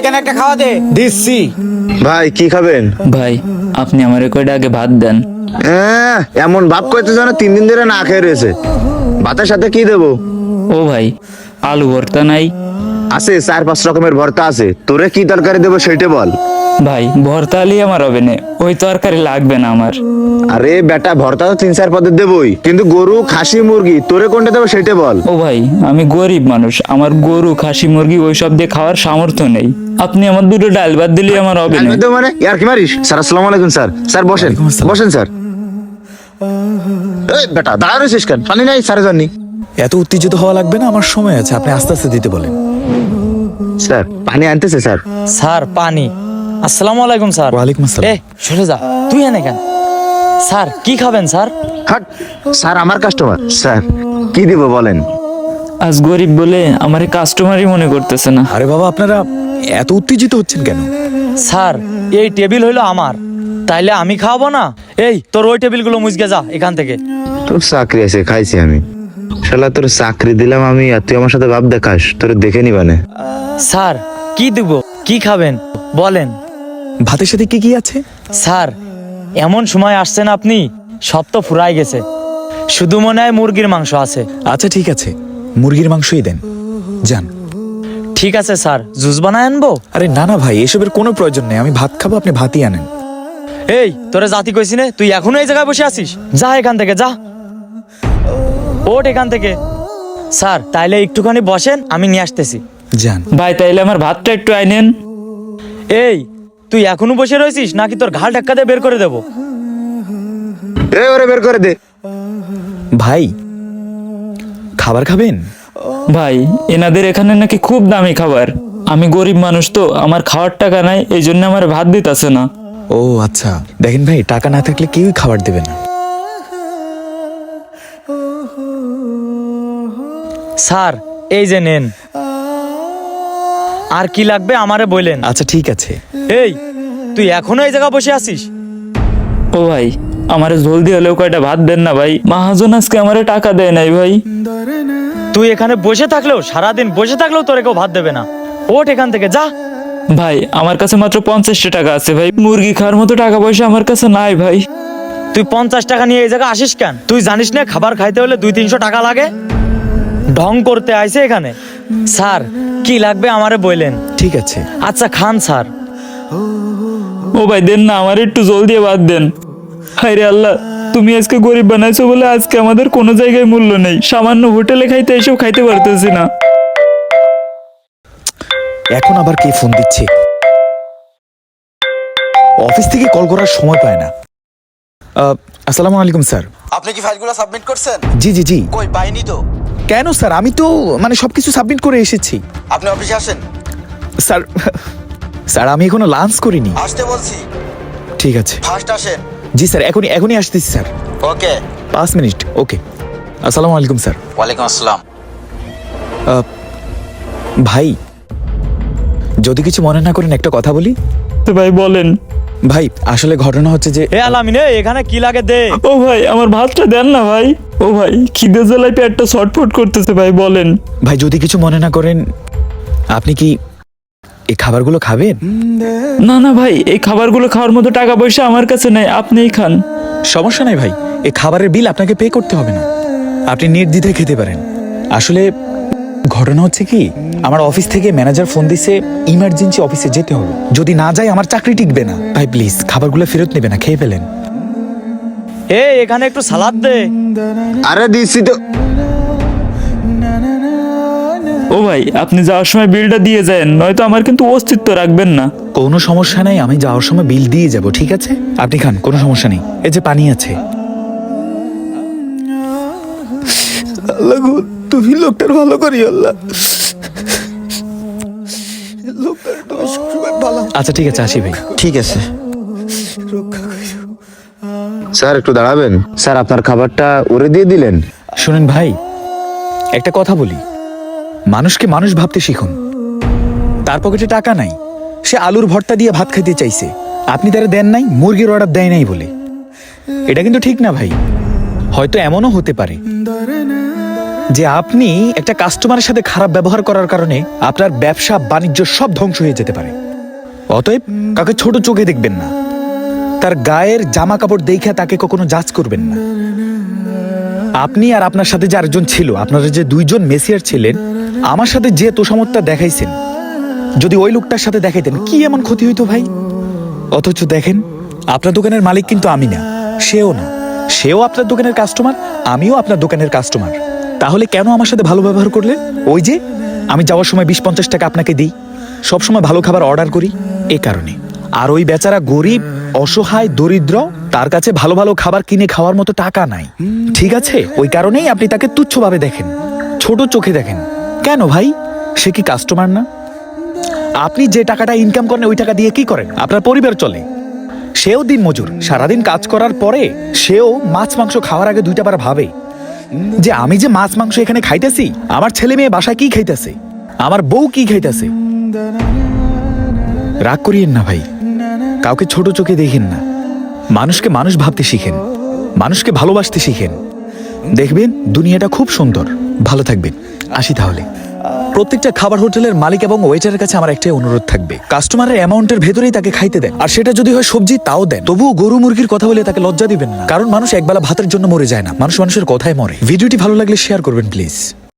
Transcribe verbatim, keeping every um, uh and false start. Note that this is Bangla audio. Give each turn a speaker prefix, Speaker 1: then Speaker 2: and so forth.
Speaker 1: এখানে একটা খাওয়া দে।
Speaker 2: দিচ্ছি।
Speaker 3: ভাই কি খাবেন?
Speaker 4: ভাই আপনি আমার কয়টা আগে ভাত দেন।
Speaker 3: আহ, এমন ভাব করতে জানো তিন দিন ধরে না খেয়ে রয়েছে। ভাতের সাথে কি দেবো?
Speaker 4: ও ভাই আলু ভর্তা নাই?
Speaker 3: আছে, চার পাঁচ রকমের ভর্তা আছে। তোরে কি তরকারি দেবো সেটা বল।
Speaker 4: ভাই ভর্তা আলি আমার হবে না, ওই তরকারি লাগবে না আমার।
Speaker 3: আরে বেটা, ভর্তা তো তিন চার পদের দেবই, কিন্তু গরু খাসি মুরগি তোরে কোনটা দেবো সেটা বল।
Speaker 4: ও ভাই আমি গরিব মানুষ, আমার গরু খাসি মুরগি ওইসব দিয়ে খাওয়ার সামর্থ্য নেই। আপনি আমার দুটো ডাল ভাত দিলে আমার হবে না।
Speaker 3: তো মানে ইয়ার কি মারিস? স্যার আসসালামু আলাইকুম। স্যার স্যার বসেন বসেন স্যার। এই বেটা দাঁড়া রয়েছিস কেন? পানি নাই স্যার জানি।
Speaker 2: এত উত্তেজিত হওয়া লাগবে না, আমার সময় আছে, আপনি আস্তে আস্তে দিতে বলেন।
Speaker 3: স্যার পানি আনতেছে স্যার।
Speaker 1: স্যার পানি। আসসালামু আলাইকুম স্যার।
Speaker 2: ওয়ালাইকুম আসসালাম।
Speaker 1: এ সরে যা, তুই এনে কেন? স্যার কি খাবেন স্যার?
Speaker 3: হাট স্যার, আমার কাস্টমার। স্যার কি দিব বলেন।
Speaker 4: আজ গরিব বলে আমার কাস্টমারই মনে করতেছে না।
Speaker 2: আরে বাবা, আপনারা এত উত্তেজিত হচ্ছেন কেন?
Speaker 1: স্যার এই টেবিল হইলো আমার, তাইলে আমি খাওয়াবো না? এই তোর ওই টেবিলগুলো মুজগে যা এখান থেকে।
Speaker 3: তোর চাকরি আছে, খাইছি আমি। শালা তোর চাকরি দিলাম আমি, আর তুই আমার সাথে ভাব দেখাস? তোর দেখে নিবানে।
Speaker 1: স্যার কি দিব, কি খাবেন বলেন?
Speaker 2: ভাতের সাথে কি কি আছে?
Speaker 1: স্যার এমন সময় আসছেন আপনি, সব তো ফুরাই গেছে, শুধু মনে হয় মুরগির মাংস আছে।
Speaker 2: আচ্ছা ঠিক আছে, মুরগির মাংসই দেন। যান।
Speaker 1: ঠিক আছে স্যার, জুস বানায় আনবো?
Speaker 2: আরে না না ভাই, এসবের কোনো প্রয়োজন নেই, আমি ভাত খাবো, আপনি ভাতই আনেন।
Speaker 1: এই তোরে জাতি কইছি নে, তুই এখনো এই জায়গায় বসে আছিস? যা এখান থেকে যা, ওঠ এখান থেকে। স্যার তাইলে একটুখানি বসেন, আমি নিয়ে আসতেছি।
Speaker 2: যান।
Speaker 4: ভাই তাইলে আমার ভাতটা একটু আইনেন।
Speaker 1: এই তুই এখনো বসে রয়েছিস নাকি তোর ঘাল ধাক্কা দিয়ে বের করে দেবো?
Speaker 3: এই ওরে বের করে দে।
Speaker 2: ভাই খাবার খাবেন?
Speaker 4: ভাই এনাদের এখানে নাকি খুব দামি খাবার, আমি গরিব মানুষ তো, আমার খাওয়ার টাকা নাই, এই জন্য আমার ভাত দিতেছে না।
Speaker 2: ও আচ্ছা, দেখেন ভাই, টাকা না থাকলে কেউই খাবার দেবে না।
Speaker 1: স্যার এই যে নেন, আর কি লাগবে আমারে বললেন।
Speaker 2: আচ্ছা ঠিক আছে।
Speaker 1: এই তুই এখনো এই জায়গায় বসে আছিস?
Speaker 4: ও ভাই আমারে জলদি হলেও কয়টা ভাত দেন না ভাই, মহাজন আজকে আমারে টাকা দেয় নাই ভাই।
Speaker 1: তুই এখানে বসে থাকলেও, সারাদিন বসে থাকলেও তোরে কেউ ভাত দেবে না। ওঠ এখান থেকে যা।
Speaker 4: ভাই আমার কাছে মাত্র পঞ্চাশটা টাকা আছে ভাই, মুরগি খাওয়ার মতো টাকা পয়সা আমার কাছে নাই ভাই।
Speaker 1: তুই পঞ্চাশ টাকা নিয়ে এই জায়গায় আসিস কেন? তুই জানিস না খাবার খাইতে হলে দুই তিনশো টাকা লাগে? ঢং করতে আইছে এখানে। স্যার কি লাগবে আমারে বললেন।
Speaker 2: ঠিক আছে।
Speaker 1: আচ্ছা খান স্যার।
Speaker 4: ও ভাই দেন না, আমার একটু জলদি ভাত দেন। হায় রে আল্লাহ, তুমি আজকে গরিব বানাইছো বলে আজকে আমাদের কোনো জায়গায় মূল্য নেই, সামান্য হোটেলে খাইতে এসব খাইতে পারতেছি না।
Speaker 2: এখন আবার কে ফোন দিচ্ছে? অফিস থেকে কল করার সময় পায় না। আহ, আসসালামু আলাইকুম স্যার।
Speaker 5: আপনি কি ফাইলগুলো সাবমিট করছেন?
Speaker 2: জি জি জি।
Speaker 5: কই পাইনি তো।
Speaker 2: কেন স্যার, আমি তো মানে সবকিছু সাবমিট করে এসেছি।
Speaker 5: আপনি অফিসে আসেন।
Speaker 2: স্যার স্যার আমি এখনো লাঞ্চ করিনি।
Speaker 5: আসতে বলছি।
Speaker 2: ঠিক আছে।
Speaker 5: ফার্স্ট আসেন।
Speaker 2: জি স্যার, এখনই এখনই আসতেছি স্যার।
Speaker 5: ওকে।
Speaker 2: পাঁচ মিনিট। ওকে। আসসালামু আলাইকুম স্যার।
Speaker 5: ওয়ালাইকুম আসসালাম।
Speaker 2: আহ, ভাই যদি কিছু মনে না করেন একটা কথা বলি।
Speaker 4: তো ভাই বলেন।
Speaker 2: ভাই আসলে ঘটনা হচ্ছে যে
Speaker 1: এ আলামিন, এ, এখানে কি লাগে দে।
Speaker 4: ও ভাই আমার ভাতটা দেন না ভাই। ও ভাই খিদে জ্বালায় পেটটা ছটফট করতেছে ভাই, বলেন।
Speaker 2: ভাই যদি কিছু মনে না করেন, আপনি কি এই খাবারগুলো খাবেন?
Speaker 4: না না ভাই, এই খাবারগুলো খাওয়ার মতো টাকা পয়সা আমার কাছে নেই, আপনিই খান।
Speaker 2: সমস্যা নাই ভাই, এই খাবারের বিল আপনাকে পে করতে হবে না, আপনি নির্দ্বিধায় খেতে পারেন। আসলে ঘটনা হচ্ছে কি, আমার অফিস থেকে ম্যানেজার ফোন দিছে, ইমার্জেন্সি অফিসে যেতে হবে, যদি না যাই আমার চাকরি টিকবে না। ভাই প্লিজ খাবারগুলো ফেরত নেবে না, খেয়ে ফেলেন।
Speaker 1: এ এখানে একটু সালাদ দে।
Speaker 3: আরে দিচ্ছি তো।
Speaker 4: ও ভাই আপনি যাওয়ার সময় বিলটা দিয়ে যান, নয়তো আমার কিন্তু অস্তিত্ব রাখবেন না।
Speaker 2: কোনো সমস্যা নাই, আমি যাওয়ার সময় বিল দিয়ে যাব, ঠিক আছে? আপনি খান, কোনো সমস্যা নেই। এই যে পানি আছে। আল্লাহ গো, তুমি লোকটার ভালো করি আল্লাহ। লোকটার তুমি সবসময় ভালো। আচ্ছা ঠিক আছে, আসি ভাই।
Speaker 3: ঠিক আছে স্যার, একটু দাঁড়াবেন। স্যার আপনার খাবারটা ওরে দিয়ে দিলেন।
Speaker 2: শুনেন ভাই, একটা কথা বলি, মানুষকে মানুষ ভাবতে শিখুন। তার পকেটে টাকা নাই, সে আলুর ভর্তা দিয়ে ভাত খাইতে চাইছে, আপনি তারা দেন নাই, মুরগির অর্ডার দেয় নাই বলে। এটা কিন্তু ঠিক না ভাই। হয়তো এমনও হতে পারে যে আপনি একটা কাস্টমারের সাথে খারাপ ব্যবহার করার কারণে আপনার ব্যবসা বাণিজ্য সব ধ্বংস হয়ে যেতে পারে। অতএব কাউকে ছোট চোখে দেখবেন না, তার গায়ের জামা কাপড় দেখে তাকে কখনো জাজ করবেন না। আপনি আর আপনার সাথে যে আরেকজন ছিল, আপনারা যে দুইজন মেসিয়ার ছিলেন, আমার সাথে যে তোষামতটা দেখাইছেন, যদি ওই লোকটার সাথে দেখাইতেন কি এমন ক্ষতি হইতো ভাই? অথচ দেখেন, আপনার দোকানের মালিক কিন্তু আমি না, সেও না। সেও আপনার দোকানের কাস্টমার, আমিও আপনার দোকানের কাস্টমার। তাহলে কেন আমার সাথে ভালো ব্যবহার করলেন? ওই যে আমি যাওয়ার সময় বিশ পঞ্চাশ টাকা আপনাকে দিই, সবসময় ভালো খাবার অর্ডার করি, এ কারণে। আর ওই বেচারা গরিব, অসহায়, দরিদ্র, তার কাছে ভালো ভালো খাবার কিনে খাওয়ার মতো টাকা নাই, ঠিক আছে? ওই কারণেই আপনি তাকে তুচ্ছভাবে দেখেন, ছোট চোখে দেখেন। কেন ভাই? সে কি কাস্টমার না? আপনি যে টাকাটা ইনকাম করেন ওই টাকা দিয়ে কি করেন? আপনার পরিবার চলে। সেও দিন মজুর, সারাদিন কাজ করার পরে সেও মাছ মাংস খাওয়ার আগে দুইটা বার ভাবে যে আমি যে মাছ মাংস এখানে খাইতেছি, আমার ছেলে মেয়ে বাসায় কি খাইতেছে, আমার বউ কি খাইতেছে। রাগ করিয়েন না ভাই, কাউকে ছোট চোখে দেখেন না। মানুষকে মানুষ ভাবতে শিখেন, মানুষকে ভালোবাসতে শিখেন, দেখবেন দুনিয়াটা খুব সুন্দর। ভালো থাকবেন, আসি তাহলে। প্রত্যেকটা খাবার হোটেলের মালিক এবং ওয়েটারের কাছে আমার একটাই অনুরোধ থাকবে, কাস্টমারের অ্যামাউন্টের ভেতরেই তাকে খাইতে দেন। আর সেটা যদি হয় সবজি, তাও দেন। তবুও গরু মুরগির কথা বলে তাকে লজ্জা দিবেন না, কারণ মানুষ একবেলা ভাতের জন্য মরে যায় না, মানুষ মানুষের কথায় মরে। ভিডিওটি ভালো লাগলে শেয়ার করবেন প্লিজ।